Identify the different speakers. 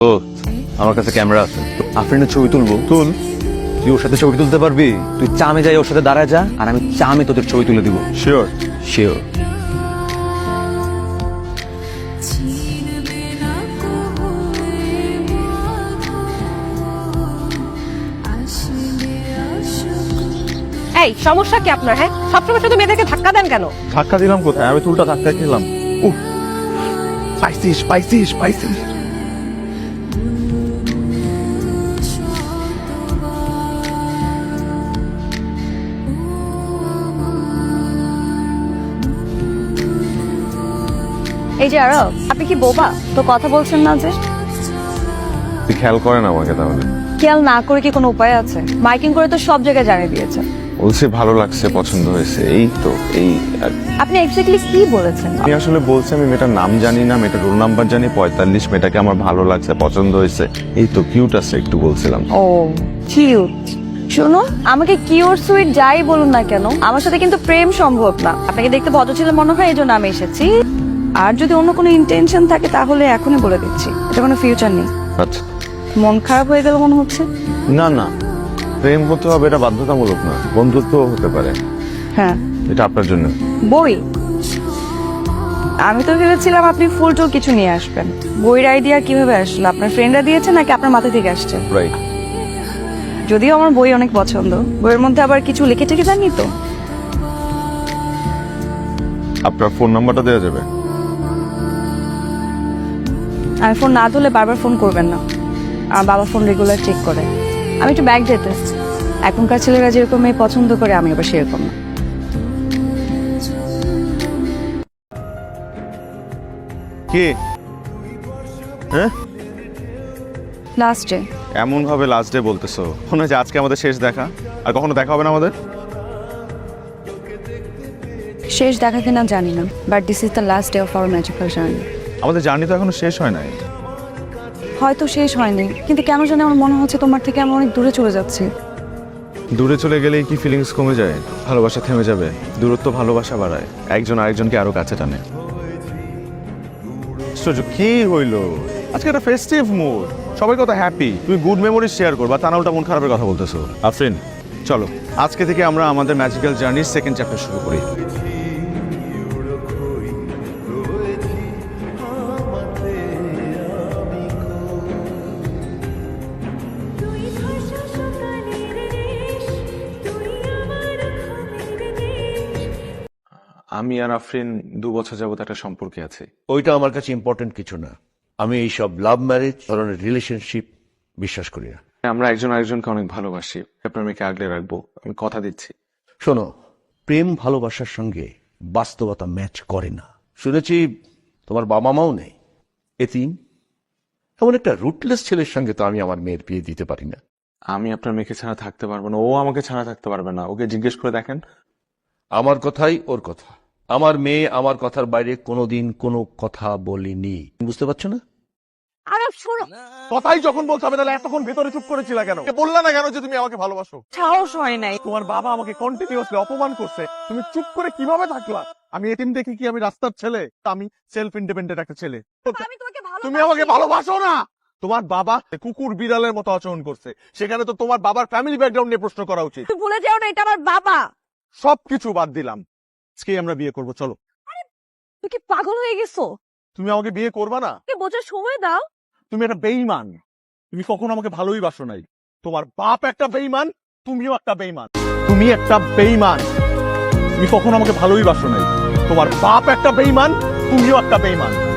Speaker 1: ও আমার কাছে ক্যামেরা আছে, আফরিনের ছবি তুলবো। তুই ওর সাথে ছবি তুলতে পারবি? তুই চামে যাই ওর সাথে দাঁড়ায় যা, আর আমি চামে তোদের ছবি তুলে দিব।
Speaker 2: শিওর?
Speaker 1: শিওর।
Speaker 3: এই সমস্যা কি আপনার? হ্যাঁ, সবসময় শুধু মেয়েদেরকে ধাক্কা দেন কেন?
Speaker 2: ধাক্কা দিলাম কোথায়? আমি তুলটা ধাক্কা খেলাম। পাইছিস পাইছিস পাইছিস।
Speaker 4: এই যে আরব, আপনি কি বোবা? তো কথা বলছেন না যে?
Speaker 2: তুই খেয়াল করেন আমাকে তাহলে?
Speaker 4: খেয়াল না করে কি কোনো উপায় আছে? মাইকিং করে তো সব জায়গায় জানিয়ে দিয়েছেন।
Speaker 2: বলছে ভালো লাগছে, পছন্দ হয়েছে, এই তো এই।
Speaker 4: আপনি এক্স্যাক্টলি কি বলেছেন?
Speaker 2: আমি আসলে বলছি আমি মেয়েটার নাম জানি না, মেয়েটার রোল নাম্বার জানি 45, মেয়েটাকে আমার ভালো লাগছে, পছন্দ হয়েছে, এই তো কিউট আছে একটু বলছিলাম।
Speaker 4: ও কিউট। শুনুন, আমাকে কিউট সুইট যাই বলুন না কেন, আমার সাথে কিন্তু প্রেম সম্ভব না। আপনাকে দেখতে ভদ্র ছিল মনে হয়, এই জন্য আমি এসেছি। আর যদি অন্য কোনো ইন্টেনশন থাকে তাহলে এখনই বলে দিচ্ছি, এটা কোনো ফিউচার নেই।
Speaker 2: আচ্ছা।
Speaker 4: মন খারাপ হয়ে গেল মনে হচ্ছে।
Speaker 2: না না, প্রেম হতে হবে এটা বাধ্যতামূলক না, বন্ধুত্ব হতে পারে।
Speaker 4: হ্যাঁ,
Speaker 2: এটা আপনার জন্য।
Speaker 4: বই? আমি তো ভেবেছিলাম আপনি ফুল টুল কিছু নিয়ে আসবেন। বইয়ের আইডিয়া কিভাবে আসলো? আপনার ফ্রেন্ডরা দিয়েছে নাকি আপনার মাথা থেকে আসছে?
Speaker 2: রাইট।
Speaker 4: যদিও আমার বই অনেক পছন্দ, বইয়ের মধ্যে আবার কিছু লিখে টেকে জানি তো।
Speaker 2: আপনার ফোন নাম্বারটা দেওয়া যাবে?
Speaker 4: আমি ফোন না ধরলে বারবার ফোন করবেন না। আমার বাবা ফোন রেগুলার চেক করে। আমি একটু ব্যাগ যেতে। এখনকার ছেলেরা যেরকম মেয়ে পছন্দ করে, আমি আবার সেরকম না।
Speaker 2: কে? হ্যাঁ,
Speaker 4: লাস্টে
Speaker 2: এমন ভাবে লাস্ট ডে বলতেছো, মনে হয় যে আজকে আমাদের শেষ দেখা, আর কখনো দেখা হবে না আমাদের।
Speaker 4: শেষ দেখা কিনা জানি না, but this is the last day of our magical journey.
Speaker 2: আমাদের জার্নি তো এখনো শেষ হয় নাই।
Speaker 4: হয়তো শেষ হয়নি, কিন্তু কেন জানি আমার মনে হচ্ছে তোমার থেকে আমি অনেক দূরে চলে যাচ্ছি।
Speaker 2: দূরে চলে গেলেই কি ফিলিংস কমে যায়? ভালোবাসা থেমে যাবে? দূরত্ব ভালোবাসা বাড়ায়, একজন আরেকজনকে আরো কাছে টানে। কি হইলো আজকে? একটা ফেস্টিভ মুড, সবাই কত হ্যাপি। তুমি গুড মেমোরিজ শেয়ার করবা, তা না উল্টা মন খারাপের কথা বলতেছো। আফরিন, চলো আজকে থেকে আমরা আমাদের ম্যাজিক্যাল জার্নির সেকেন্ড চ্যাপ্টার শুরু করি। আমি আর আফরিন 2 বছর যাবত একটা সম্পর্কে আছি।
Speaker 5: ওইটা আমার কাছে ইম্পর্টেন্ট কিছু না। আমি এইসব লাভ ম্যারেজ ধরনের রিলেশনশিপ বিশ্বাস করি না।
Speaker 2: আমরা একজন আরেকজনকে অনেক ভালোবাসি, আপনার মেয়েকে আগলে রাখবো, আমি কথা দিচ্ছি।
Speaker 5: শোনো, প্রেম ভালোবাসার সঙ্গে বাস্তবতা ম্যাচ করে না। শুনেছি তোমার বাবা মাও নেই, এতিম। এমন একটা রুটলেস ছেলের সঙ্গে তো আমি আমার মেয়ের বিয়ে দিতে পারি না।
Speaker 2: আমি আপনার মেয়েকে ছাড়া থাকতে পারবো না, ও আমাকে ছাড়া থাকতে পারবে না। ওকে জিজ্ঞেস করে দেখেন।
Speaker 5: আমার কথাই ওর কথা। আমার মেয়ে আমার কথার বাইরে কোনোদিন কোনো কথা বলিনি, বুঝতে পারছো না?
Speaker 3: আরব শোনো,
Speaker 2: কথাই যখন বলতে হবে তাহলে এতক্ষণ ভেতরে চুপ করেছিল কেন? বললা না কেন যে তুমি আমাকে ভালোবাসো?
Speaker 3: সাহস হয় নাই।
Speaker 2: তোমার বাবা আমাকে কন্টিনিউয়াসলি অপমান করছে, তুমি চুপ করে কিভাবে থাকলা? আমি এতিম দেখি কি আমি রাস্তার ছেলে? আমি সেলফ ইন্ডিপেন্ডেন্ট একটা ছেলে।
Speaker 3: আমি তোমাকে
Speaker 2: তুমি আমাকে ভালোবাসো না? তোমার বাবা কুকুর বিড়ালের মতো আচরণ করছে, সেখানে তো তোমার বাবার ফ্যামিলি ব্যাকগ্রাউন্ড নিয়ে প্রশ্ন করা উচিত।
Speaker 3: তুমি ভুলে যাও না, এটা আমার বাবা।
Speaker 2: সবকিছু বাদ দিলাম, আজকে আমরা বিয়ে করবো, চলো।
Speaker 3: তুমি কি পাগল হয়ে গেছো?
Speaker 2: তুমি আমাকে বিয়ে করবা না?
Speaker 3: বোঝার সময় দাও।
Speaker 2: তুমি একটা বেঈমান, তুমি কখনো আমাকে ভালোই বাসো নাই। তোমার বাপ একটা বেঈমান, তুমিও একটা বেঈমান। তুমি একটা বেঈমান, তুমি কখনো আমাকে ভালোই বাসো নাই। তোমার বাপ একটা বেঈমান, তুমিও একটা বেঈমান।